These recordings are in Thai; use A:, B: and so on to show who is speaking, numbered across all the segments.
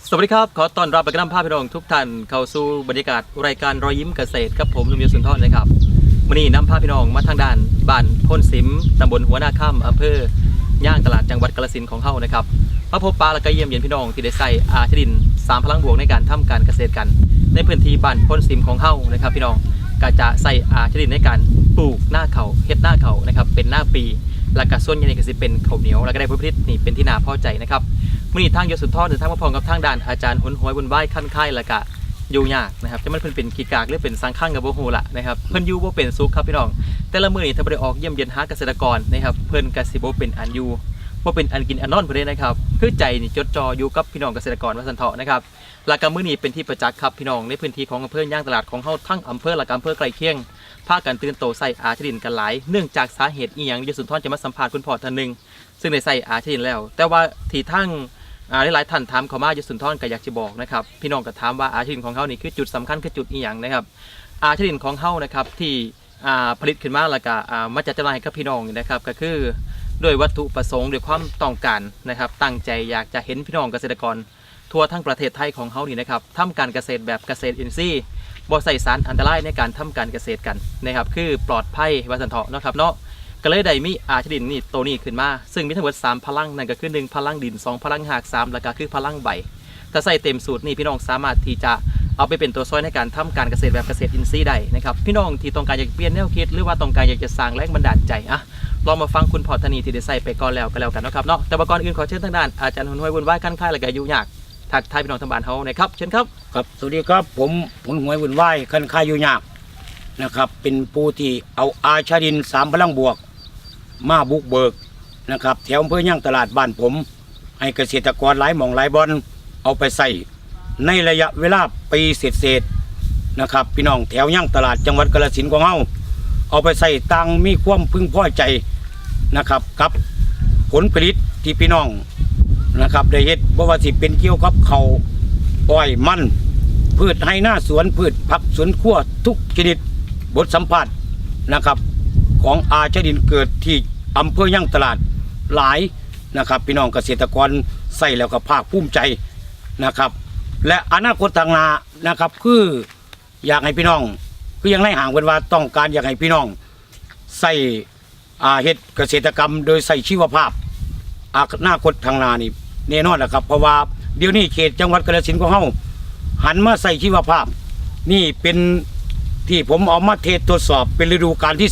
A: สวัสดีครับขอต้อนรับและนำภาพพี่น้องทุกท่านเข้าสู่บรรยากาศรายการรอยยิ้มเกษตรกับผมนุ่มยศสุนทรนะครับวันนี้นำภาพพี่น้องมาทางด้านบ้านพ้นสิมตำบลหัวหน้าค่ำอำเภอย่างตลาดจังหวัดกาฬสินธุ์ของเฮานะครับมาพบปะและก็เยี่ยมเยียนพี่น้องที่ได้ใส่อาชดิน3พลังบวกในการทำการเกษตรกันในพื้นที่บ้านพ้นสิมของเฮานะครับพี่น้องก็จะใส่อาชดินในการปลูกหน้าเขาเฮ็ดหน้าเขานะครับเป็นหน้าปีและก็ส่วนใหญ่ก็สิเป็นข้าวเหนียวและก็ได้ผลผลิตนี่เป็นที่น่าพอใจนะครับมื่อนี้ทางยศสุนทรเดินทางมาพร้อมกับทางด่านอาจารย์หุนหวยบุญไหว้ขั้นค่ายและกะอยู่ยากนะครับจะมันเพิ่นเป็นขีกากหรือเป็นสังข้างกับโบฮูละนะครับเพิ่นอยู่บ่เป็นสุขครับพี่น้องแต่ละมื้อนี้ถ้าบ่ได้ออกเยี่ยมเยียนหาเกษตรกรนะครับเพิ่นก็สิบ่เป็นอันอยู่บ่เป็นอันกินอันนอนเพิ่นเด้นะครับคือใจนี่จดจ่ออยู่กับพี่น้องเกษตรกรว่าซั่นเถาะนะครับและก็มื้อนี้เป็นที่ประจักษ์ครับพี่น้องในพื้นที่ของอำเภอย่างตลาดของเฮาทั้งอำเภอและอำเภอใกล้เคียงพากันตื่นโตใส่อาชดินกันหลายเนื่องจากสาเหตุอีหยังยศสุนทรจะมาสัมภาษณ์คุณพ่อท่านนึงซึ่งได้ใส่อาชดินแล้วแต่ว่าที่ทั้งหลายท่านถามเขามายศสุนทรก็อยากจะบอกนะครับพี่น้องก็ถามว่าอาชดินของเขานี่คือจุดสำคัญคือจุดอีหยังนะครับอาชดินของเขานะครับที่ผลิตขึ้นมาแล้วก็มาจัดจำหน่ายกับพี่น้องนะครับก็คือด้วยวัตถุประสงค์ด้วยความต้องการนะครับตั้งใจอยากจะเห็นพี่น้องเกษตรกรทั่วทั้งประเทศไทยของเขานี่นะครับทำการเกษตรแบบเกษตรอินทรีย์บ่ใส่สารอันตรายในการทำการเกษตรกันนะครับคือปลอดภัยว่าสันเถาะนะครับเนาะก็เลยได้มีอาชดินนี่ตัวนี้ขึ้นมาซึ่งมีทั้งหมด3พลังนั่นก็คือ1พลังดิน2พลังหาก3แล้วก็คือพลังใบถ้าใส่เต็มสูตรนี่พี่น้องสามารถที่จะเอาไปเป็นตัวช่วยในการทำการเกษตรแบบเกษตรอินทรีย์ได้นะครับพี่น้องที่ต้องการอยากเปลี่ยนแนวคิดหรือว่าต้องการอยากจะสร้างแรงบันดาลใจลองมาฟังคุณพ่อธนีที่ได้ใส่ไปก่อนแล้วก็แล้วกันนะครับเนาะแต่ก่อนอื่นขอเชิญทางด้านอาจารย์หุนหวยบุญไหว้ขั้นค่ายและก็อยู่ยากทักทายพี่น้องทางบ้านเฮานะครับเชิญครับ
B: ครับสวัสดีครับผมหุนหวยบุญไหว้คันคายอยู่ยากนะครับเป็นผู้ที่เอาอาชาดิน3พลังบวกมาบุกเบิกนะครับแถวอำเภอย่างตลาดบ้านผมให้เกษตรกรหลายหม่องหลายบอนเอาไปใส่ในระยะเวลาปีเศษนะครับพี่น้องแถวย่างตลาดจังหวัดกาฬสินธุ์ของเฮาเอาไปใส่ตังมีความพึงพอใจนะครับกับผลผลิตที่พี่น้องนะครับได้เฮ็ดบ่ว่าสิเป็นเกี่ยวกับข้าวอ้อยมันพืชไร่นาสวนพืชผักสวนครัวทุกชนิดบทสัมผัสนะครับของอาชดินเกิดที่อำเภอย่างตลาดหลายนะครับพี่น้องเกษตรกรใส่แล้วก็ภาคภูมิใจนะครับและอนาคตทางหน้านะครับคืออยากให้พี่น้องคือยังไล่ห่างกันว่าต้องการอยากให้พี่น้องใส่เฮ็ดเกษตรกรรมโดยใส่ชีวภาพอนาคตทางหน้านี่แน่นอนแหละครับเพราะว่าเดี๋ยวนี้เขตจังหวัดกาฬสินธุ์ของเฮาหันมาใส่ชีวภาพนี่เป็นที่ผมเอามาเทสทดสอบเป็นฤดูกาลที่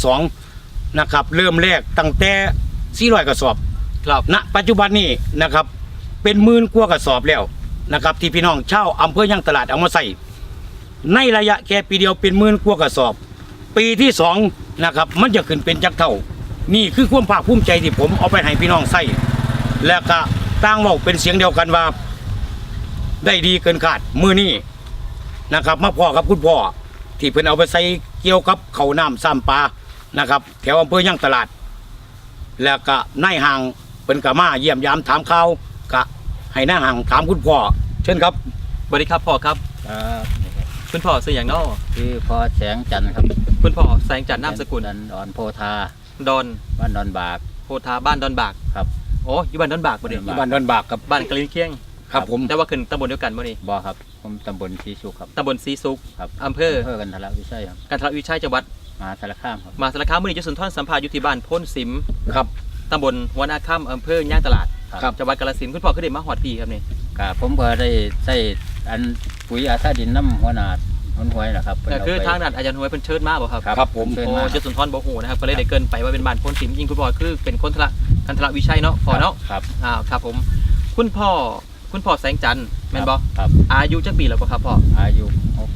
B: 2นะครับเริ่มแรกตั้งแต่400กระสอบ
A: ครับ
B: ณปัจจุบันนี้นะครับเป็นหมื่นกว่ากระสอบแล้วนะครับที่พี่น้องชาวอำเภอย่างตลาดเอามาใส่ในระยะแค่ปีเดียวเป็นหมื่นกว่ากระสอบปีที่2นะครับมันจะขึ้นเป็นจักเท่านี่คือความภาคภูมิใจที่ผมเอาไปให้พี่น้องใส่และก็ต่างเว้าเป็นเสียงเดียวกันว่าได้ดีเกินคาดมื้อนี้นะครับมาพ่อกับคุณพ่อที่เพิ่นเอาไปใส่เกี่ยวกับข้าวน้ำซ้ำปลานะครับแถวอำเภอย่างตลาดแล้วก็นายห่างเพิ่นก็มาเยี่ยมยามถามข่าวก็ให้นายห่างถามคุณพ่อเชิญครับ
A: สวัสดีครับพ่อครับคุณพ่อชื่ออย่างน้อ
C: คือพ่อแสงจันทร์ครับ
A: คุณพ่อแสงจันทร์นามสกุล
C: ดอนโพธา
A: ดอน
C: บ้านดอนบาก
A: โพธาบ้านดอนบาก
C: ครับ
A: โอ้อยู่บ้านดอนบากบ่ได้
B: บ้านดอนบากกับ
A: บ้านกะลินเคียง
B: ครับผม
A: แต่ว่าขึ้นตำบลเดียวกันบ่นี่
C: บ่ครับผมตำบลศรีสุขครับ
A: ตำบลศรีสุข
C: ครับ
A: อำเภอ
C: กันทละวิชัยครับ
A: กันทละวิชัยจังหวัด
C: มหาสารคามครับ
A: มหาสารคามมื้อนี้จะสุนทรสัมภาษณ์อยู่ที่บ้านพ้นสิม
B: ครับ
A: ตำบลหัวหน้าค่ำอำเภอย่างตลาด
B: ครับ
A: จังหวัดกาฬสินธุ์คุณพ่อคือได้มาฮอดพี่ครับนี่
C: ก็ผมก็ได้ใส่อันปุ๋ยอาซาดินน้ำหัวหน้าหุนหวยนะครับ
A: ก็คือทางด้านอาจารย์หวยเพิ่นเชิญมาบ่ครับ
B: ครับผม
A: โอ้จะสุนทรบ่ฮู้นะครับก็เลยได้เกินไปว่าเป็นบ้านพ้นสิมยิ่งคุณพ่อคือเป็นคนกันทละวิชัยเนาะพ่อเนาะ
C: ครับ
A: ครับผมคุณพ่อแสงจันทร์แม่นบ่
C: ครับ
A: อายุจักปีแล้วบ่ครับพ่อ
C: อายุ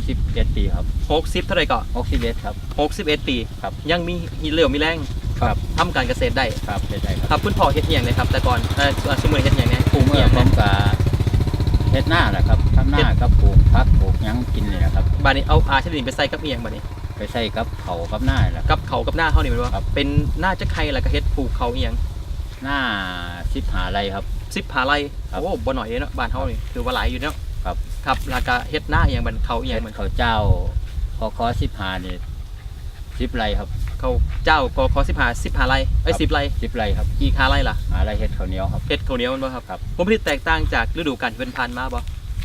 C: 61ปีครับ
A: 60เท่าไหร่ก็
C: 61ครับ
A: 61ปี
C: ครับ
A: ยังมีเหลือมีแรง
C: ครับ
A: ทำการเกษตรได้
C: ครับได้
A: ครับคุณพ่อเฮ็ดอีหยังนะครับแต่ก่อนสมัยเฮ็ดอีหยังเนี่ยปลูกอีหยัง
C: ผมก็เฮ็ดหน้าแหละครับทำหน้ากับปลูกผักปลูกหยังกินนี่แหละครับ
A: บัดนี้เอาอาชนิดไปใส่กับอีหยังบัดนี้
C: ไปใส่กับเขากับหน้าแหละ
A: กับเขากับหน้าเฮานี่แม่นบ่เป็นหน้าจักไข่แล้วก็เฮ็ดปลูกเขาอีหยัง
C: หน้า15 ไร่ครับ
A: 15 ไร่โอ้บ่น้อยเนาะบ้านเฮานี่ถือว่าหลายอยู่เนาะครับแล้วก็เฮ็ดหน้าอีหยังบัดเขาอีหยัง
C: เหมือนเขาเจ้าคอ15นี่10 ไร่ครับ
A: เขาเจ้าคอ15ไร่10 ไร่
C: 10 ไร่ครับ
A: กี่คาไร่ล่ะ
C: ไร่เฮ็ดข้าวเหนียวครับ
A: เฮ็ดข้าวเหนียวมันบ่ครับผลผลิตแตกต่างจากฤดูกาลที่ผ่านมาบ่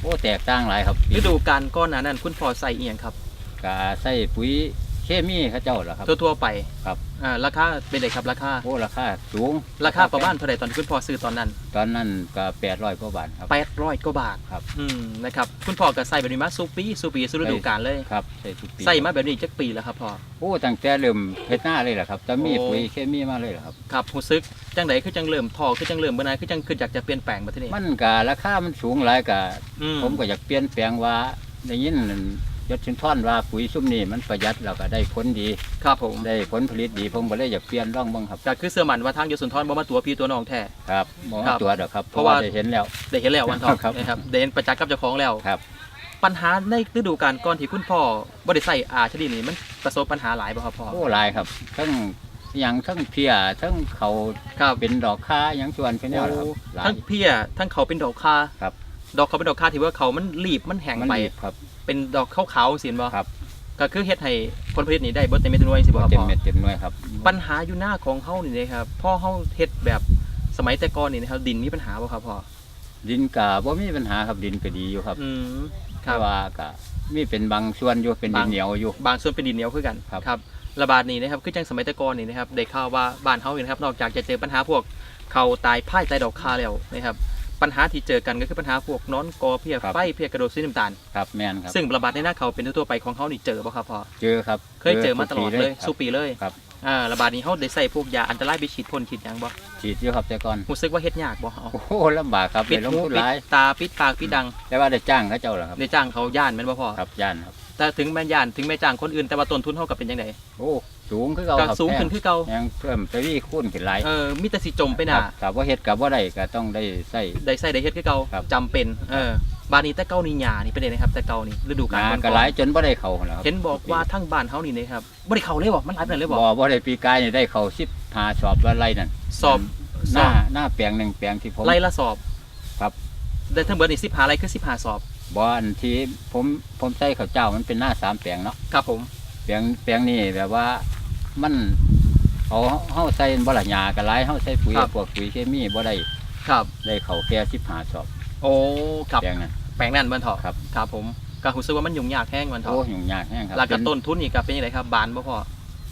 C: โอ้แตกต่างหลายครับ
A: ฤดูกาลก่อนหน้านั้นคุณพ่อใส่อีหยังครับ
C: ก็ใส่ปุ๋ยเคมีเขาเจ้าล่ะครับ
A: ทั่วๆไป
C: ครับ
A: ราคาเป็นไงครับราคา
C: โอ้ราคาสูง
A: ราคาประมาณเท่าไหร่ตอนที่คุณพ่อซื้อตอนนั้น
C: ตอนนั้นก็800กว่าบาทครับ
A: 800กว่าบาท
C: ครับ
A: นะครับคุณพ่อก็ใส่แบบนี้มาสู่ปีสู่ฤดูกาลเลย
C: ครับใส่ทุกปี
A: ใส่มาแบบนี้จักปีแล้วครับพ่อ
C: โอ้ตั้งแต่เริ่มเฮ็ดหน้าเลยล่ะครับจะมี
A: โอ้
C: ปุ๋ยเคมีมาเลยล่ะครับ
A: ครับรู้สึกจังไดคือจังเริ่มทอคือจังเริ่มเมื่อไหร่คือจังคืออยากจะเปลี่ยนแปลงมาที่นี่
C: มันก็ราคามันสูงหลายก็
A: อื
C: ผมก็อยากเปลี่ยนแปลงว่าได้ยินยศชินท่อนว่าปุ๋ยซุ่มนี้มันประหยัดแล้วก็ได้ผลดี
A: ครับผม
C: ได้ผลผลิตดีผมก็เลยอยากเปลี่ยนร่องบ้างครับ
A: ก็คือเสื้อมันว่าทางยศสุนทรบ่มาตัวพี่ตัวน้องแท้
C: ครับมอง
A: ครับ
C: ตัวเด้อครับเพ
A: เพราะ
C: ราะ
A: ว่า
C: ว่าได้เห็นแล้ว
A: ได้เห็นแล้ววันทอง
C: ครับ
A: นะครับได้เห็นประจักษ์กับเจ้าของแล้ว
C: ครับ
A: ปัญหาในฤดูกาลก่อนที่คุณพ่อบ่ได้ใส่อาชนิดนี้มันประสบปัญหาหลายบ่ครับพ่อ
C: โอ้หลายครับทั้งหยังทั้งเพียทั้งเขา
A: ครับ
C: เป็นดอกค้าหยังชวนเป็นแนวนะครับหลาย
A: ทั้งเพียทั้งเขาเป็นดอกคา
C: ครับ
A: ดอกเขาเป็นดอกคาที่ว่าเขามันรีบมันแห้ง
C: มัน
A: ไป
C: ดีครับ
A: เป็นดอกขาวๆสินบ่
C: ครับ
A: ก็คือเฮ็ดให้ผลผลิตนี่ได้บ่เต็มเม็ดเต็มหน่วยสิบ่ครับ
C: เต็ม
A: พ่อ
C: เม็ดเต็มหน่วยครับ
A: ปัญหาอยู่หน้าของเฮานี่นะครับพ่อเฮาเฮ็ดแบบสมัยแต่ก่อนนี่นะครับดินมีปัญหาบ่ครับพ่อ
C: ดินกาบ่มีปัญหาครับดินก็ดีอยู่ครับ
A: ครั
C: แต่
A: บ
C: ว่าก็มีเป็นบางส่วนอยู่เป็นดินเหนียวอยู่
A: บางส่วนเป็นดินเหนียวคือกัน
C: ครับ
A: ระบาดนี้นะครับคือจังสมัยแต่ก่อนนี่นะครับได้ข่าวว่าบ้านเฮานี่นะครับนอกจากจะเจอปัญหาพวกเขาตายพ่ายตายดอกคาแล้วนะครับปัญหาที่เจอกันก็คือปัญหาพวกนอนกอเพียไฟเพียกระโดดสีน้ำตาล
C: ครับแม่นครับ
A: ซึ่งระบาดในหน้าเขาเป็นทั่วๆไปของเฮานี่เจอบ่ครับพ่อ
C: เจอครับ
A: เคยเจอมาตลอดเลย
C: ครับ
A: สู้ปีเลย
C: ครับ
A: ระบาดนี้เฮาได้ใส่พวกยาอันตรายไปฉีดพ่นฉีดหยังบ่
C: ฉีดอยู่ครับแต่ก่อน
A: รู้สึกว่าเฮ็ดยากบ่เอา
C: โอ้โหลำบากครับ
A: ปิด
C: ได้ลง
A: หู
C: ทุน
A: ปิ
C: ห
A: ด
C: ลาย
A: ตาปิดปากปิดดัง
C: แต่ว่าได้จ้างเขาเจ้าเหรอครับ
A: ได้จ้างเขาย่านแม่นบ่พ่อ
C: ครับย่านครับ
A: แต่ถึงแม่นย่านถึงแม่จ้างคนอื่นแต่ว่าต้นทุนเฮาก็เป็นจังได
C: โอ้สูงขึ้นเก่า
A: ก็
C: ครับ
A: สูงขึ้นคือเก่า
C: ยังเพิ่มไปวี่คูณขึ้นหลาย
A: มีแต่สิจมไปห
C: ค
A: น้า
C: รับถ้าว่าเฮ็ดกับว่าได้ก็ต้องได้ใส่
A: ได้ใส่ได้เฮ็ดคือเก่า
C: ครับ
A: จำเป็นบ้านนี้แต่เก่านี่หญ้านี่เป็นไดนะครับแต่เก่านี่ฤดูกาล
C: งา
A: ก่อน
C: ก็หลายจนบ่ได้เข้าแล้วครับ
A: เห็นบอกว่าทั้งบ้านเฮานี่นะครับบ่ได้เข้าเลยบ่มันหลายปานนั้นเลยบ่
C: บ่ได้ปีกายนี่ได้เข้า15สอบว่าไรนั่น
A: สอบ
C: หน้าแปลงหนึ่งแปลงที่ผม
A: ไล่ละสอบ
C: ครับ
A: ได้ทั้งเบิดนี่15ไร่คือ15สอบ
C: บ่อันที่ผมใส่ข้าวเจ้ามันเป็นหน้า3แปลงเนาะ
A: ครับผม
C: แปลงนี่แบบว่ามันเอาเฮาใส่บ่ละหญ้าก็หลายเฮาใส่ปุ๋ยพวกปุ๋ยเคมีบ่ได้
A: ครับ
C: ได้เข้าแค่15สอบ
A: โอ้ครับ
C: แปลงนั้น
A: แปลงนั้นมันเถาะ
C: ครับ
A: ครับผมก็รู้สึกว่ามันยุ่งยากแห้งมันเถาะ
C: โอ้ยุ่งยากแฮงครับ
A: แล้วก็ต้นทุนนี่ก็เป็นจังไดครับบานบ่พอบ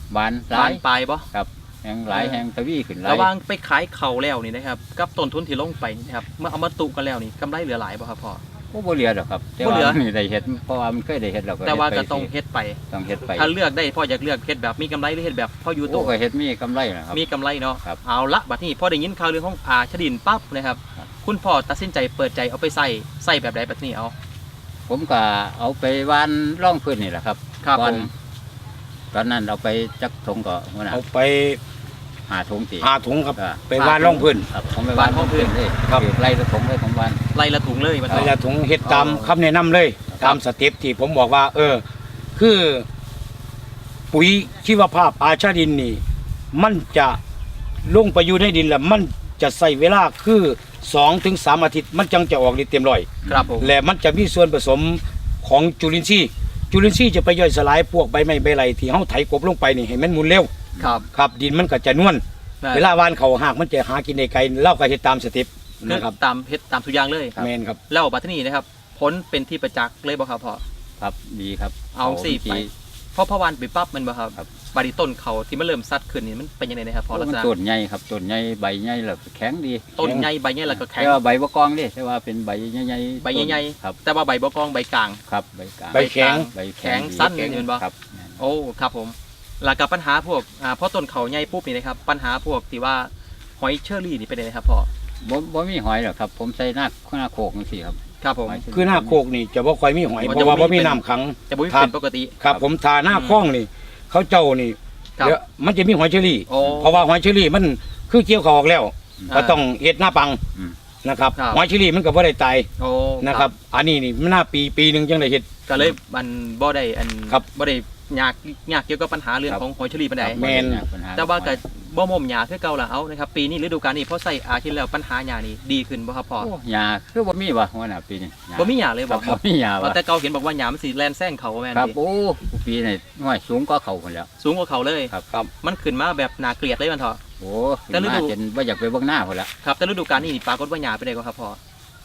C: านหลา
A: บาย นปลายบ่
C: แฮงหลายแฮงทวีขึ้นหลาย
A: ระหว่างไปขายเขาแล้วนี่นะครับกับต้นทุนที่ลงไปนี่นะครับเมื่อเอามาตุกันแล้วนี่กำไรเหลือหลายบ่ครับพ่อ
C: โอ้บ่เหลือดอกครับแต่
A: บ่
C: ว่า
A: เหลือ
C: นี่ได้เฮ็ดเพราะว่ามันเคยได้เฮ็ดแล้วก็
A: แต่ว่า
C: เฮ็
A: ก็
C: ดไป
A: ต้อง
C: สิ
A: เฮ็ดไป
C: ต้องเฮ็ดไป
A: ถ้าเลือกได้พ่ออยากเลือกเฮ็ดแบบมีกำไรหรือเฮ็ดแบบพ่ออยู่ตั
C: โอ้
A: ว
C: ก็เฮ็ดมีกำไรนะครับ
A: มีกำไรเนาะ
C: ครับ
A: เอาละบัดนี้พอได้ยินข่าวเรื่องของอาชดินปั๊บนะครับ
C: ครับ
A: คุณพ่อตัดสินใจเปิดใจเอาไปใส่แบบใดบัดนี้เอา
C: ผมก็เอาไปวานร่องพื้นนี่แหละครับ
A: ครับ
C: ก่อน
A: ผม
C: ตอนนั้นเอาไปจักถุงก็หัวหน้า
B: เอาไป
C: หาถุงตี
B: หาถุงครับ
C: อ่า
B: ไปวานร่องพื้น
C: ครับผมไปวานร่องพื้นเลย
B: ครับ
C: ไล่ละถุงเลยผมวาน
A: ไล่ละถุงเลยมัน
B: เว
A: เอา
B: ลาถุงเฮ็ดตาม
A: อ๋อ
B: คำแนะนำเลย
A: ครับ
B: ตามสเต็ปที่ผมบอกว่า คือปุ๋ยชีวภาพอาชาดินนี่ มันจะลงไปอยู่ในดินแล้วมันจะใส่เวลาคือ2-3 อาทิตย์ มันจังจะออกฤทธิ์เต็มร้อย
A: ครับผม
B: และมันจะมีส่วนผสมของจุลินทรีย์จะไปย่อยสลายพวกใบไม้ใบไหลที่เฮาไถกบลงไปนี่ให้มันหมุนเร็ว
A: ครับ
B: ครับ ดินมันก็จะนวลเวลาวานเขาหากมันจะหากินได้ไกลเล่าก็เฮ็ดตามสเต็ป
A: คือ
B: นะครับ
A: ตามเฮ็ดตามทุกอย่างเลย
B: แม่นครับ
A: แล้วบัดนี้นะครับผลเป็นที่ประจักษ์เลยบ่ครับพ่อ
C: ครับดีครับ
A: เอาสิ
C: วิธี
A: ไป เพราะพอวันไปปั๊บมันบ่ครับ
C: ครับ
A: บาดนีต้นเขาที่มันเริ่มซัดขึ้นนี่มันเป็นยังไงนะครับพอลักษ
C: มัน
A: ณะ
C: ต้นใหญ่ครับต้นใหญ่ใบใหญ่แล้วก็แข็งดี
A: ต้นใหญ่ใบใหญ่แล้วก็แข็ง
C: แต่ว่าใบบ่กองดิแต่ว่าเป็นใบใหญ่ๆ
A: ใบใหญ่
C: ครับ
A: แต่ว่าใบบ่กองใบกลาง
C: ครับใบกลาง
B: ใบแข็ง
C: ใบ
A: แข็งสั้น
C: ดี
A: นี่แม่นบ่
C: ครับ
A: โอ้ครับผมแล้วกับปัญหาพวกพอต้นเขาใหญ่ปุ๊บนี่นะครับปัญหาพวกที่ว่าหอยเชอรี่นี่เป็นยังไงครับพ่อ
C: บ่มีหอยหรอกครับ ผมใส่หน้าโคกจังซี่ครับ
A: ครับผม
C: หอยเชรี่
B: คือหน้าโคกนี่จะบ่ค่อยมีหอย
A: มัน
B: เพ
A: จะ
B: ราะว่า
A: บ่
B: บ่
A: มี
B: มี
A: เป็น
B: น้ำขัง
A: จะบ่มี
B: ครับ
A: เป็นปกติ
B: ครับผมทาหน้าคล้องนี่ เขาเจ้านี่
A: ครับ
B: เดี๋ยวมันจะมีหอยเชอรี่
A: โอ้
B: เพราะว่าหอยเชอรี่มันคือเกี่ยวเขาออกแล้ว
A: อ่า
B: ก็ต้องเฮ็ดหน้าปัง
C: อืม
B: นะครับ
A: ครับ
B: หอยเชอรี่มันก็บ่ได้ตาย
A: โอ้
B: นะครับ อันนี้นี่มันหน้าปีหนึงจังได้เฮ็ด
A: ก็เลยมันบ่ได้อัน
B: ครับ
A: บ่ได้ยากเกี่ยวกับปัญหาเรื่อง
C: ครับ
A: ของหอยเชอรี่ปานใด
B: แม่น
C: ปัญห
A: แต่ว่าก็บ่ม่มหญ้าคือเก่าล่ะเอานะครับปีนี้ฤดูกาลนี้พอใส่อาทิตย์แล้วปัญหาหญ้านี่ดีขึ้นบ่ครับพ่อ
C: โอ้หญ้าคือบ่มีว่ะหัวหน้าปีนี้หญ้า
A: บ่มีหญ้าเลย
C: ค
A: บ่
C: รับบ่มีหญ้า
A: ว่า
C: ว่ะ
A: แต่เก่าเห็นบอกว่าหญ้ามันสิแล่นแซงเขาแม่น
C: ครับ
A: ดิ
C: โอ้ปีนี้ห้อยสูงก็เขาคนแล้ว
A: สูงกว่าเขาเลย
C: ครับ
B: ครับ
A: มันขึ้นมาแบบน่าเกลียดเลยมันเถอะ
C: โอ้
A: แต่ฤดู
C: มาจนว่าอยากไปเบิ่งหน้าคนละ
A: ครับแต่ฤดูกาลนี้ปรากฏว่าหญ้าเป็นไดก็ครับพ่อ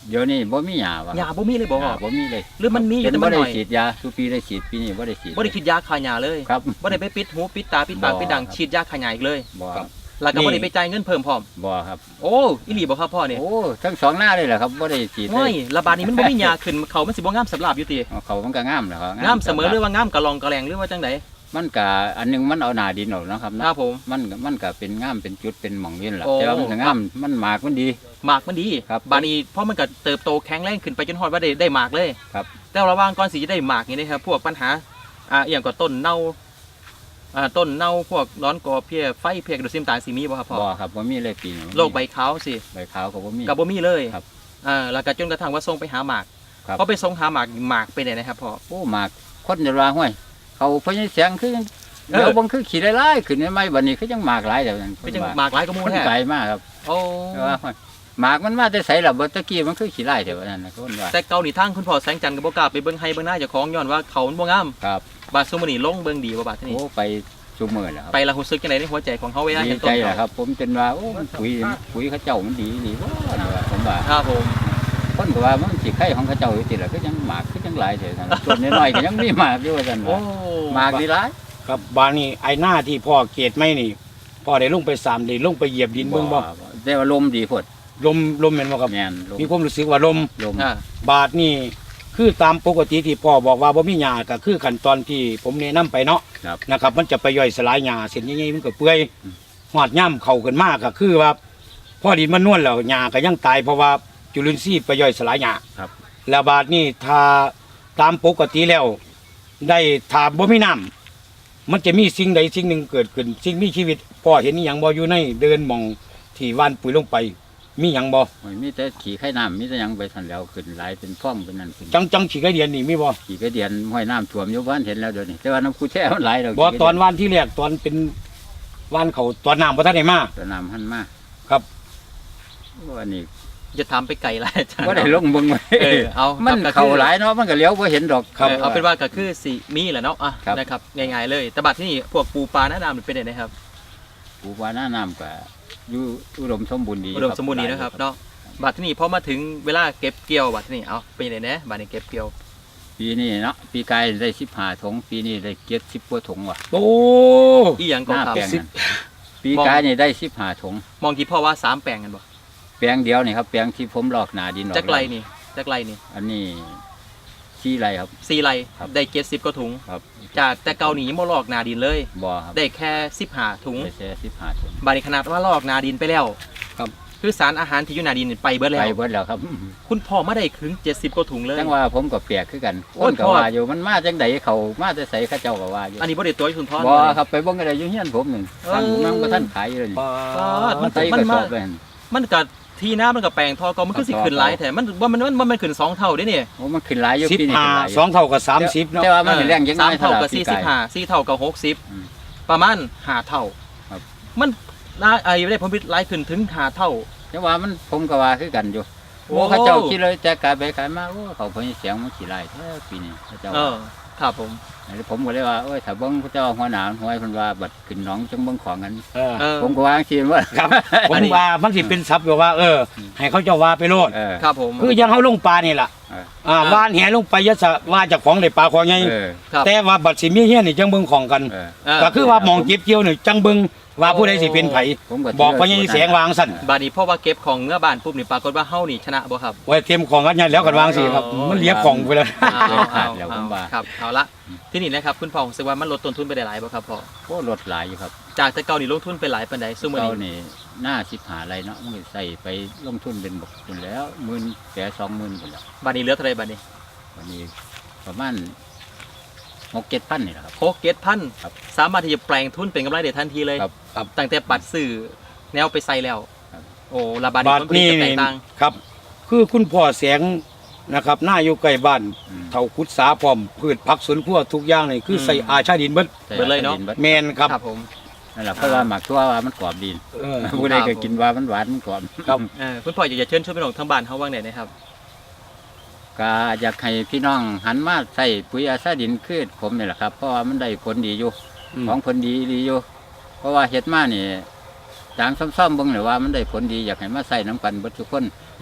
C: เดี๋ยวนี้บ่มีหญ้าว่ะ
A: หญ้าบ่มีเลยบ่
C: หญ้าบ่มีเลย
A: หรือมันมีอยู่
C: เป็น
A: แต่มั
C: บ่
A: น
C: ได้
A: น้อย
C: ฉีดยาทุกปีได้ฉีดปีนี้บ่ได้ฉีด
A: บ่ได้ฉีดยาฆ่าหญ้าเลย
C: ครับ
A: บ่ได้ไปปิดหูปิดตาปิดปาก
C: บ่
A: ปิดดัง
C: ครับ
A: ฉีดยาฆ่าหญ้าอีกเลย
C: บ่
B: ครับ
A: แล้วก็บ่ได้ไปจ่ายเงินเพิ่มพร้อม
C: บ่ครับ
A: โอ้อีหลีบ่ครับพ่อนี่
C: โอ้ทั้งสองหน้าเลยเหรอครับบ่ได้ฉีดเล
A: โอ้ย
C: ย
A: ระบาดนี้มันบ่มีหญ้าขึ้นเขามันสิบ่งามสำหรับอยู่ติ
C: เขามันก็งามแหละครับ
A: งามเสมอหรือว่างามกะลองกะแลงหรือว่าจังได
C: มันก็อันหนึงมันเอาหน้าดินออกนะครับ
A: ค
C: นะ
A: รับผม
C: มันก็เป็นงามเป็นจุดเป็นหม่องเวียนล่ะ
A: โอ้
C: แต่ว่ามันก็งามมันหมากมันดี
A: หมากมันดี
C: ครับ
A: บาดนี้เพราะมันก็เติบโตแข็งแรงขึ้นไปจนฮอดว่าได้หมากเลย
C: ครับ
A: แต่ระหว่างก่อนสิจะได้หมากนี่นะครับพวกปัญหาอหย่างก็ต้นเน่าต้นเน่าพวกร้อนกอเพี้ยไฟเพี้ยกระดูกซิมตาลสิมีบ่ครับพ่อ
C: บ่ครับบ่มีเลยปีนี้
A: โรคใบขาวสิ
C: ใบขาวก็บ่มี
A: กับบ่มีเลย
C: ครับ
A: แล้วก็จนกระทั่งว่าส่งไปหาหมาก
C: ครับ
A: พอไปส่งหาหมากหมากไปไหนนะครับพ่อ
C: โอ้หมากคนจะว่าห้วยเขาพญเสียงคือ
A: เออ
C: เดี๋ยวบังคือขี่ไล่ๆขึ้นไม่ไหมบัดนี้คือจังหมากหลายเดี๋ยวนั้น
A: ไปจังหมากหลายก็มู
C: คน
A: แท้
C: ไกลมากครับ
A: โอ้
C: แต่ว่าห้วยหมากมันมาแต่ไสล่ะบ่ตะกี้มันคือขี่ไล่เดี๋ยวนั้นนะคนว่า
A: แต่เกาหลีทางคุณพ่อแสงจันทร์ก็บ่กล้าไปเบิ่งให้เบิ่งหน้าเจ้าของย้อนว่าเขามันบ่งาม
C: ครับ
A: บาดซุมื้อนี้ลงเบิ่งดีบ่บาดทีนี้
C: โอ้ไปซุมื้อแล้วครับ
A: ไปละรู้สึกจังไดในหัวใจของเฮาเวลา
C: ดี
A: เห็นต้
C: ใจ
A: น
C: แหละ
A: เขา
C: ครับ ผมจนว่าโอ้มันปุ๋ยเขาเจ้ามันดีนี่บ่นี่ว่าผมว่า
A: ครับผม
C: คนก็ว่ามันสิไข่ของเขาเจ้าอยู่ติล่ะคือจังหมากคือจังหลายเถอะนั่นส่วนน้อยๆก็ยังมีหมากอยู่ว่าซั่น
A: โอ้
C: ว่าหมากดีหลาย
B: ครับบานนี้ไอ้หน้าที่พ่อเกตไม่นี่พ่อได้ลงไป3ได้ลงไปเหยียบดินเบิ่งบ่
C: แต่ว่าลมดีพด
B: ลมแม่นบ่ครับ
C: แม่นลม
B: มีความรู้สึกว่าลม
C: ลม
A: อ่า
B: บาทนี่คือตามปกติที่พ่อบอกว่าบ่มีหญ้าก็คือขั้นตอนที่ผมแนะนํไปเนาะ
C: ครับ
B: นะครับ มันจะไปย่อยสลายหญ้าเส้นใหญ่ๆมันก็เปื่อย
C: อืม
B: หอดย่ำเข้าขึ้นมาก็คือว่าพอดินมันนวลแล้วหญ้าก็ยังตายเพราะว่าจุลินทรีย์ไปย่อยสลายหญ้า
C: ครับ
B: แล้วบาดนี้ถ้าตามปกติแล้ว ได้ถ้าบ่มีน้ำมันจะมีสิ่งใดสิ่งหนึ่งเกิดขึ้น สิ่งมีชีวิตพ่อเห็นอหย่างบ่อยู่ในเดินหมองที่ว่านปุ๋ยลงไป มีหยังบ่
C: โอ้ยมีแต่ขี่ไข่น้ำมีแต่หยังไปทันแล้วขึ้นหลายเป็นฟ้องเป็นนั่นขึ้น
B: จังขี้ไก่เดียนนี่มีบ่
C: ขี่กระเดียนห้อยน้ำท่วมอยู่บ้านเห็นแล้วเดี๋ยวนี้แต่ว่าน้ำคูแช่มันหลายแล้ว
B: บ่ตอนว่านที่แรกตอนเป็นว่านเขาตอนน้ำบ่ทันได้มา
C: ตอนน้ำหันมา
B: ครับ
C: ว่านี่
A: จะถามไปไกลหลายอาจารย์
C: ว่าได้ลงเบิ่งไว้
A: เอา
C: มัน
A: ครับ
C: เขาหลายเนาะมันก็เลี้ยวบ่เห็นดอก
B: ครับ
A: เอาเป็นว่าก็คือสิมีแหละเนาะอ่ะ
C: ครับ
A: นะครับง่ายๆเลย แต่บัดที่นี่พวกปูปลาหน้าน้ำมันเป็นยังไงครับ
C: ปูปลาหน้าน้ำก็อยู่อุดมสมบูรณ์ดี
A: อุดมสมบูรณ์ดีนะครับเนาะบัดที่นี่พอมาถึงเวลาเก็บเกี่ยวบัดที่นี่เอาเป็นยังไงนะบัดนี้เก็บเกี่ยว
C: ปีนี้เนาะปีกายได้15 ถุงปีนี้ได้70กว่าถุงว่ะ
B: โอ้
A: อีหยังก็
C: หน้า
A: ครับ
C: แปลงนั่นปีกายนี่ได้15 ถุง
A: มองกี่พ่อว่า3แปลงกันบ่
C: แปลงเดียวนี่ครับแปลงที่ผมลอกหนาดินออก
A: จักไรนี่จักไรนี่
C: อันนี้ชี้ไรครับ
A: 4ไร
C: ครับ
A: ได้70กว่าถุง
C: ครับ
A: จากแต่เกาหลียังบ่ลอกนาดินเลย
C: บ่อครับ
A: ได้แค่15ถุง
C: ได้แค่15 ถุง
A: บัดนี้ขนาดว่าลอกนาดินไปแล้ว
B: ครับ
A: คือสารอาหารที่อยู่นาดินนี่ไปเบิดแล้
C: ไป
A: ว
C: เบิดแล้วครับ
A: คุณพ่อมาได้ถึง70กว่าถุงเลย
C: จังว่าผมก็แปลกคือกัน
A: โอ้
C: ค
A: ย
C: นก็
A: พ่อ
C: ว่าอยู่มันมาจังใดเขามาแต่ใสเขาเจ้าก็ว่าอยู่
A: อันนี้บ่ได้ตัวให้คุณพ่อ
C: บ่ครับไปเบิ่งอะไรอยู่เฮียนผมนึง
A: เออ
C: สั่งมันบ่ทันขายอยู่เลยนี่
A: มั
C: มัน นใส่กระสอบไปหั่น
A: มันก็ที่น้ามันก็แปลงทอก็มันคือสิขึ้นหลายแท้มันว่ามันขึ้น2เท่าเด้นี่
C: โอ้มันขึ้นหลายอยู่
B: สิบ
C: ปีนี้
B: ห้า
C: ขึ้นหลายอยู่
B: สองเท่ากับ30เนาะ
C: แต่ว่ามันเป็นแรงยังน้อย
A: 3เท่ากับ
C: ปีกาย
A: 45 4เท่ากับ
C: อืม
A: 60ประมาณ5เท่า
C: ครับ
A: มันน่าได้ผลผลิตหลายขึ้นถึง5เท่า
C: แต่ว่ามันผมก็ว่าคือกันอยู่
A: โอ้
C: โอ้เขาเจ้าคิดเลยแต่กายไปขายมาโอ้เขาเพิ่นเสียงมันขี้หลายแท้ปีนี้เขาเจ้า
A: ครับผม
C: อันนี้ผมก็เลยว่าโอ้ยถ้าเบิ่งเขาเจ้าหัวหน้าหัวเพิ่นว่าบัดขึ้นหนองจังเบิ่งของกัน
B: เออ
C: ผมก็ว่าจังซี่ว่า
B: ครับ ผมว่ามันสิเป็นศัพท์แบบว่า ให้เขาเจ้าว่าไปโลด
C: เออ
A: ครับผม
B: คือยังเขาลงปลานี่ล่ะ
C: เออ
B: ว่านแหลงไปยะสะว่าเจากของได้ปลาของใหญ่
C: เออ
A: ครับ
B: แต่ว่าบัดสิมีเฮียนี่จังเบิ่งของกัน
C: เออ
B: ก็คือว่าหมองเก็บเกี่ยวนี่จังเบิ่งว่าผู้ใดสิเป็นไผ
C: ผมก็
B: บอกว่ายังแสงวางสั่น
A: บาดนี้เพราะว่าเก็บของเมื่อบ้านปุ๊บนี่ปรากฏว่าเฮานี่ชนะบ่ครับ
B: ไว้เตรียมของกันยันแล้วกันวางสิครับ มันเลียบของไปเลย
A: ครับเอาละที่นี่นะครับคุณพ่อรู้สึกว่ามันลดต้นทุนไปได้หลายบ่ครับพ่อ
C: โอ้ลดหลายอยู่ครับ
A: จากแต่เก่านี่ลงทุนไปหลายปานใดซุมื้อ
C: เก่า
A: นี้
C: นี่หน้า15ไรเนาะมันก็ใส่ไปลงทุนเป็นบกคุณแล้ว10,000แต่20,000พุ่นแล้ว
A: บาดนี้เหลือเท่าไหร่บาดนี้
C: วันนี้ประมาณ6-7,000นี่แหละครับ
A: 6-7,000
C: ครับ
A: สามารถที่จะแปลงทุนเป็นกำไรได้ทันทีเลย
C: ครับ
A: ตั้งแต่ปัดซื้อแนวไปใส่แล้ว
C: ครับ
A: โอ้ละบาด
B: บา
A: นี้
B: ด
A: ผลผลิต
B: นี้
A: จะแตกต่าง
B: ครับ คือคุณพ่อแสงนะครับหน้าอยู่ใกล้บ้าน
C: อืม
B: เท่าคุดสาพร้อมพืชผักสวนครัวทุกอย่างนี่คือใส่อาชาดินเบิด
C: ใส่
A: เบิดเลยเนาะ
C: บิด
B: แมนครับ
A: ครับผม
C: นั่นแหละเพราะว่าหมักทั่วว่ามันกรอบดี
B: เออ
C: ผู้ใดก็กินว่ามันหวานมันกรอบ
B: ครับ
A: คุณพ่ออยากจะเชิญชวนพี่น้องทั้งบ้านเฮาว่างไหนนะครับ
C: ก็อยากให้พี่น้องหันมาใส่ปุ๋ยอาซาดินคือผมนี่แหละครับ เพราะว่ามันได้ผลดีอยู่ ของผลดีอยู่ เพราะว่าเฮ็ดมานี่จางซ่อมๆเบิ่งเลยว่ามันได้ผลดีอยากให้มาใส่น้ำกันเบิดทุกคน
A: เยี่ยม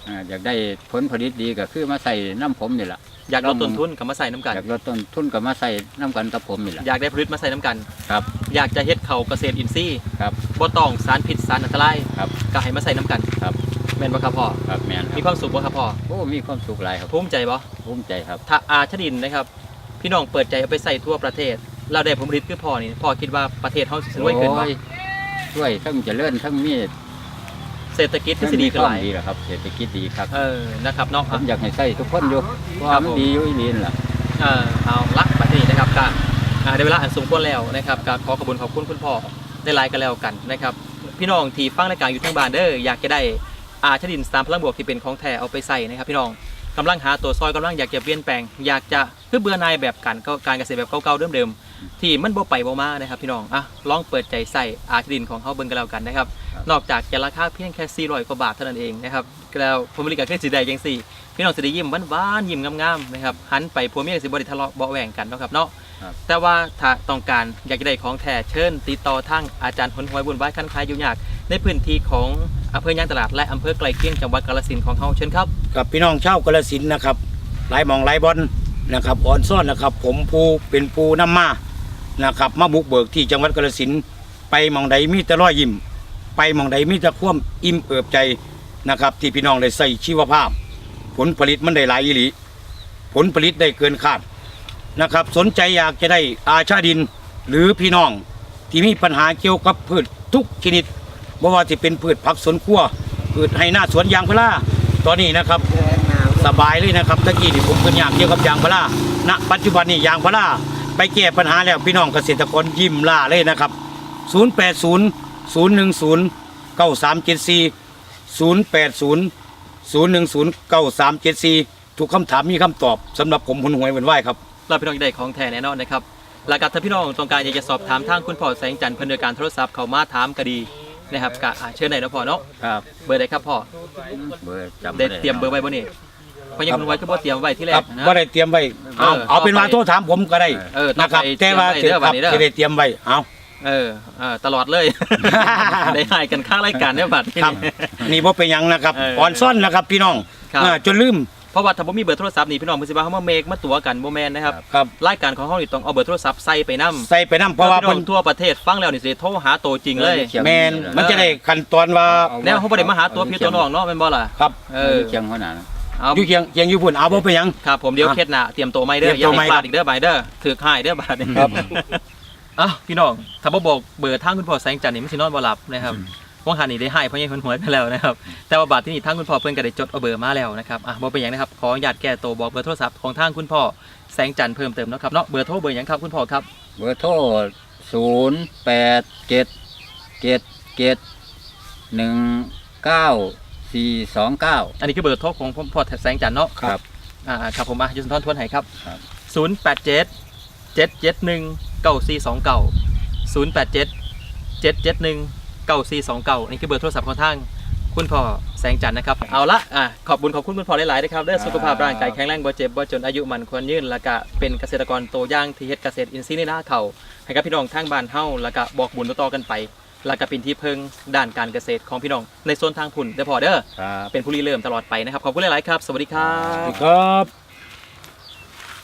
C: อยากได้ผลผลิตดีก็คือมาใส่น้ำผมนี่แหละ
A: อยากลดต้นทุนกับมาใส่น้ำกัน
C: อยากลดต้นทุนก็มาใส่น้ำกันกับผมนี่แหละ
A: อยากได้ผลิตมาใส่น้ำกัน
C: ครับ
A: อยากจะเฮ็ดเขาเกษตรอินทรีย์
C: ครับ
A: บ่ต้องสารพิษสารอันตราย
C: ครับ
A: ก็ให้มาใส่น้ำกัน
C: ครับ
A: แม่นบ่ครับพ่อ
C: ครับแม่นค
A: มี
C: รับ
A: ความสุขบ่ครับพ่อ
C: โอ้มีความสุขหลายครับ
A: ภูมิใจบ่
C: ภูมิใจครับ
A: ถ้าอาชดินนะครับพี่น้องเปิดใจเอาไปใส่ทั่วประเทศเราได้ผลผลิตคือพ่อนี่พ่อคิดว่าประเทศเฮาสิรวยขึ้นบ่
C: โอ้ยช่วยทั้งเจริญทั้งมี
A: เศรษฐกิจที่สิดีขึ้นหลาย
C: ดีแหละครับเศรษฐกิจดีครับ
A: นะครับเนาะ
C: ผมอยากให้ใส่ทุกคนอยู่เพราะว่ามันดีอยู่อีหลีนล่ะ
A: เอาละบัดนี้นะครับก็ได้เวลาอันสมควรแล้วนะครับก็ขอขอบคุณคุณพ่อได้ไลน์กันแล้วกันนะครับพี่น้องที่ฟังรายการอยู่ทางบ้านเด้ออยากจะได้อาชดิน3พลังบวกที่เป็นของแท้เอาไปใส่นะครับพี่น้องกำลังหาตัวซอยกำลังอยากจะเปลี่ยนแปลงอยากจะคือเบื่อหน่ายแบบการเกษตรแบบเก่าๆเดิมๆที่มันบ่ไปบ่มานะครับพี่น้องลองเปิดใจใส่อาชดินของเฮาเบิ่งกันแล้วกันนะครับนอกจากจะราคาเพียงแค่400กว่าบาทเท่านั้นเองนะครับแล้วผมบริการคือสิได้จังซี่พี่น้องสิได้ยิ้มหวานๆยิ้มงามๆนะครับหันไปผัวเมียสิบ่ได้ทะเลาะเบาะแหว่งกันเนาะครับเนาะแต่ว่าถ้าต้องการอยากจะได้ของแท้เชิญติดต่อทางอาจารย์หนหวยบุญไว้คันคายอยู่ยากในพื้นที่ของอำเภอยางตลาดและอำเภอไกลเคียงจังหวัดกาฬสินธุ์ของเฮาเชิญครับ
B: กับพี่น้องชาวกาฬสินธุ์นะครับหลายหมองหลายบอลนะครับอ่อนซ่อนนะครับ ผมผู้เป็นผู้นำมานะครับมาบุกเบิกที่จังหวัดกาฬสินธุ์ไปหมองใดมีแต่รอยยิ้มไปหมองใดมีแต่ความอิ่มเอิบใจนะครับที่พี่น้องได้ใส่ชีวภาพ ผลผลิตมันได้หลายอีหลีผลผลิตได้เกินคาดนะครับสนใจอยากจะได้อาชาดิน หรือพี่น้องที่มีปัญหาเกี่ยวกับพืชทุกชนิดไม่ว่าจะเป็นพืชผักสวนครัวพืชไฮนาสวนยางพาราตอนนี้นะครับสบายเลยนะครับตะกี้ที่ผมเป็นอยากเกี่ยวกับยางพาราณปัจจุบันนี้ยางพาราไปแก้ปัญหาแล้วพี่น้องเกษตรกรยิ้มล่าเลยนะครับ0800109374 ทุกคำถามมีคำตอบสำหรับผมหุนหวยเหมือนไหวครับ
A: เราพี่น้องจะได้ของแท้แน่นอนนะครับหลักการถ้าพี่น้องต้องการอยากจะสอบถามทางคุณพ่อแสงจันทร์เพื่อนโดยการโทรศัพท์เข้ามาถามก็ดีนะครับก็เชิญได้นะพ่อเนาะ
C: ครับ
A: เบอร์ใดครับพ่อ
C: เบอร์จำ
A: ได้
C: บ่
A: เตรียมเบอร์ไว้บ่นี่เพราะยังคุณไว้ก็บ่เตรียมไว้ที่แร
B: ครั
A: ก
B: บ
A: นะ
B: ว่าได้เตรียมไว้เอาเป็นว่าโทษถามผมก็ได้
A: ต้อง
B: นะครับ
A: ไป
B: แต่ว่า
A: เตรียมไว้เด้อ
B: ครับ
A: วันนี้เด้อ
B: จะได้เตรียมไว้เอา
A: ตลอดเลย ได้ให้กันข้างรายการเนี่ยบัดนี้
B: ครับนี่บ่เป็นหยังนะครับอ่อนซ่อนนะครับพี่น้อง
A: ครับ
B: จนลืม
A: เพราะว่าถ้าบ่มีเบอร์โทรศัพท์นี่พี่น้องเพิ่นสิว่าเฮามาเมกมาตั๋วกันบ่แม่นนะครับ
B: ครับ
A: รายการของเฮานี่ต้องเอาเบอร์โทรศัพท์ใส่ไปนำ
B: ใส่ไปน้ำเพราะว่า
A: พี่น้องทั่วประเทศฟังแล้วนี่สิโทรหาตัวจริงเลย
B: แมนมันจะได้ขั้นตอนว่า
A: แนวเฮาบ่ได้มาหาตัวพี่ตัวน้องเนาะแม่นบ่ล่ะ
B: ครับ
C: เชียงหัวหน้านะ
A: เอา
B: อยู่เคียงอยู่พุ่นเอาบ่เป็นหยัง
A: ครับผมเดี๋ยวเคล็ดหน้าเตรียมตัวใหม่เด้อ
B: เตรียม
A: อย่า
B: ตัวใหม่
A: ให้พลาดอีกเด้อบายเด้อถือหายเด้อบาดนี้
B: ครับ
A: พี่น้องถ้าบ่บอกเบอร์ทางคุณพ่อแสงจันทร์นี่มันสินอนบ่หลับนะครับว่างหันนี่ได้ให้เพราะยังหวยไปแล้วนะครับแต่ว่าบาดที่นี่ทางคุณพ่อเพิ่นก็ได้จดเอาเบอร์มาแล้วนะครับบ่เป็นหยังนะครับขออนุญาตแก้ตัวบอกเบอร์โทรศัพท์ของทางคุณพ่อแสงจันทร์เพิ่มเติมเนาะครับเนาะเบอร์โทรเบอร์หยังครับคุณพ่อครับ
C: เบอร์โทร0877719429
A: อันนี้คือเบอร์โทรของพ่อแสงจันทร์เนาะ
C: ครับ
A: ครับผมยศสุนทรทวนให้ครับ
C: ครับ
A: 0877719429 นี่คือเบอร์โทรศัพท์ของทางคุณพ่อแสงจันทร์นะครับเอาละขอบคุณคุณพ่อหลายๆนะครับได้สุขภาพร่างกายแข็งแรงบ่เจ็บบ่จนอายุมันควรยืนแล้วก็เป็นเกษตรกรตัวอย่างที่เฮ็ดเกษตรอินทรีย์ในนาเขาให้กับพี่น้องทางบ้านเฮาแล้วก็บอกบุญต่อๆกันไปแล้วก็เป็นที่พึ่งด้านการเกษตรของพี่น้องในโซนทางพุ่นเด้อพ่อเด้อ
C: ครับ
A: เป็นผู้ริเริ่มตลอดไปนะครับขอบคุณหลายๆครับสวัสดีครับ
B: ครับ